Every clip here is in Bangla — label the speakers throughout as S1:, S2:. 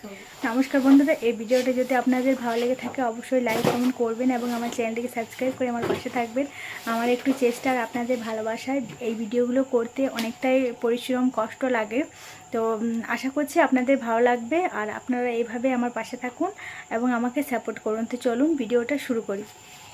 S1: নমস্কার বন্ধুরা, এই ভিডিওটা যদি আপনাদের ভালো লেগে থাকে অবশ্যই লাইক কমেন্ট করবেন এবং আমার চ্যানেলটিকে সাবস্ক্রাইব করে আমার পাশে থাকবেন। আমার একটু চেষ্টা আর আপনাদের ভালোবাসায় এই ভিডিওগুলো করতে অনেকটাই পরিশ্রম কষ্ট লাগে। তো আশা করছি আপনাদের ভালো লাগবে আর আপনারা এইভাবে আমার পাশে থাকুন এবং আমাকে সাপোর্ট করুন। তো চলুন ভিডিওটা শুরু করি।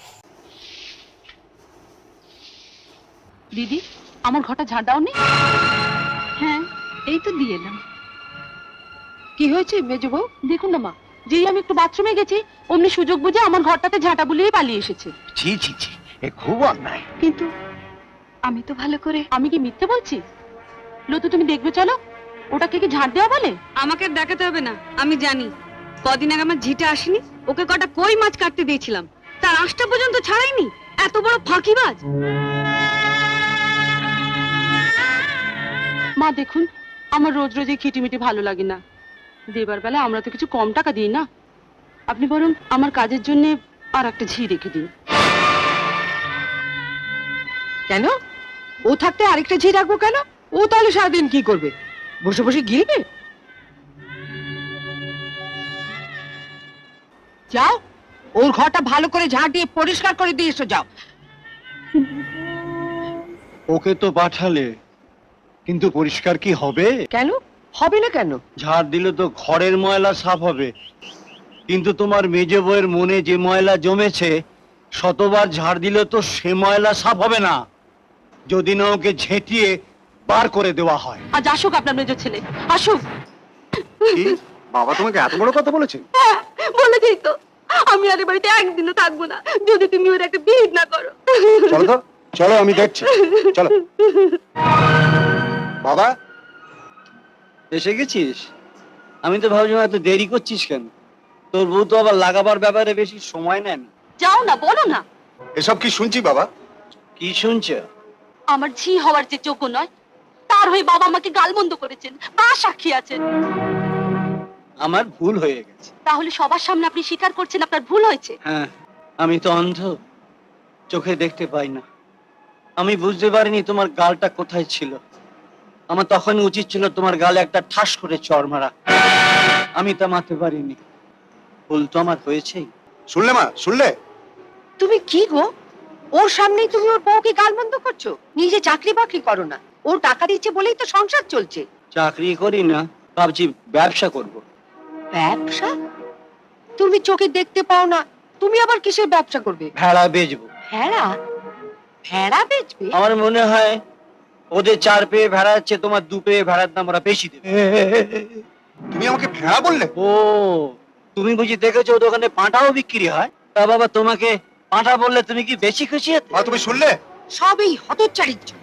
S2: দিদি, আমার ঘরটা ঝাড় দাওনি? হ্যাঁ, এই তো দিয়ে এলাম। কি হয়েছে মেজো বউ? দেখুন না মা, যেই আমি একটু বাথরুমে গেছি অমনি সুযোগ বুঝে আমার ঘরটাতে ঝাঁটা বুলিয়ে পালিয়ে এসেছে।
S3: ছি ছি ছি, এ খুব অন্যায়।
S2: কিন্তু আমি তো ভালো করে, আমি কি মিথ্যে বলছি? লতু, তুমি দেখবে চলো, ওটাকে কি ঝাঁট দেওয়া বলে?
S4: আমাকে দেখাতে হবে না, আমি জানি। কদিন আগে আমার ঝিটে আসেনি, ওকে কটা কই মাছ কাটতে দিয়েছিলাম, তার আঁশটা পর্যন্ত ছাড়াইনি। এত বড় ফাঁকিবাজ!
S2: মা দেখুন, আমার রোজ রোজ এই খিটিমিটি ভালো লাগে না। দেবার বেলা আমরা তো কিছু কম টাকা দিই না। আপনি বরং আমার কাজের জন্য আর একটা ঝি রেখে দিন।
S5: কেন? ও থাকতে আরেকটা ঝি রাখবো কেন? ও তাহলে সারাদিন কি করবে? বসে বসে গিলবে? যাও, ওর ঘরটা ভালো করে ঝাঁট দিয়ে পরিষ্কার করে দিয়ে এসো, যাও।
S3: ওকে তো পাঠালে, কিন্তু পরিষ্কার কি হবে?
S5: কেন হবে না? কেন?
S3: ঝাড় দিলে তো ঘরের ময়লা সাফ হবে, কিন্তু তোমার মেজে বউয়ের মনে যে ময়লা জমেছে, শতবার ঝাড় দিলে তো সে ময়লা সাফ হবে না, যদি না ওকে ঝেঁটিয়ে বার করে দেওয়া হয়।
S2: আজ আসুক আপনার মেজো ছেলে, আসুক।
S3: বাবা তোমাকে এত বড় কথা বলেছে?
S4: বলেছেই তো, আমি আর এ বাড়িতে একদিনও থাকবো না যদি তুমি ওর একটা বিহিত না করো।
S3: চলো তো, চলো আমি দেখছি, চলো। বাবা এসে গেছিস? আমি তো ভাবছিলাম এত দেরি করছিস কেন? তোর বউ তো আবার লাগাবার ব্যাপারে বেশি সময় নেন।
S2: যাও না, বলো না।
S3: এসব কি শুনছি বাবা? কি শুনছ?
S2: আমার ঝি হওয়ার যে যোগ্য নয়, তার হয়ে বাবা আমাকে গালমন্দ করেছেন, তা সাক্ষী আছেন।
S3: আমার ভুল হয়ে গেছে।
S2: তাহলে সবার সামনে আপনি স্বীকার করছেন আপনার ভুল হয়েছে?
S3: হ্যাঁ, আমি তো অন্ধ, চোখে দেখতে পাই না। আমি বুঝতে পারিনি তোমার গালটা কোথায় ছিল। আমার তখন উচিত ছিল তোমার গালে একটা ঠাস করে চড় মারা, আমি তা মারতে পারিনি। ভুল তো আমার হয়েছেই।
S6: শুনলে মা, শুনলে?
S5: তুমি কি গো, ওর সামনেই তুমি ওর বউকে গালমন্দ করছো? নিজে চাকরি বাকরি করো না, ও টাকা দিচ্ছে বলেই তো সংসার চলছে।
S3: চাকরি করি না, ভাবছি ব্যবসা করব।
S5: ব্যবসা? তুমি চোখে দেখতে পাও না, তুমি আবার কিসের ব্যবসা করবে?
S3: ভেড়া বেচবো।
S5: ভেড়া? ভেড়া বেচবে?
S3: আমার মনে হয় ওদের 4 পেয়ে ভেড়া আছে, তোমার 2 পেয়ে ভেড়ার দাম ওরা বেশি দেবে।
S6: তুমি আমাকে ভেড়া বললে?
S3: ও, তুমি বুঝি দেখেছো ওদের ওখানে পাঁঠাও বিক্রি হয়? তা বাবা, তোমাকে পাঁঠা বললে তুমি কি বেশি খুশি হতে?
S6: মা তুমি শুনলে?
S5: সবই হতচ্চারির জন্য।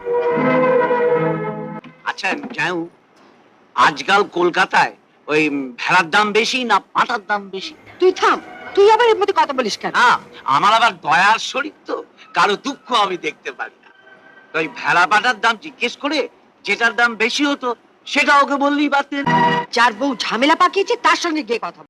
S7: আচ্ছা যাও, আজকাল কলকাতায় ওই ভেড়ার দাম বেশি না পাঁঠার দাম বেশি?
S5: তুই থাম, তুই আবার এর মধ্যে কথা বলিস কেন?
S7: না, আমার আবার দয়ার শরীর তো, কারো দুঃখ আমি দেখতে পারি না। তো ওই ভেড়া পাঁঠার দাম জিজ্ঞেস করে যেটার দাম বেশি হতো সেটা ওকে বললেই পারতেন।
S5: যার বউ ঝামেলা পাকিয়েছে তার সঙ্গে গিয়ে কথা বল।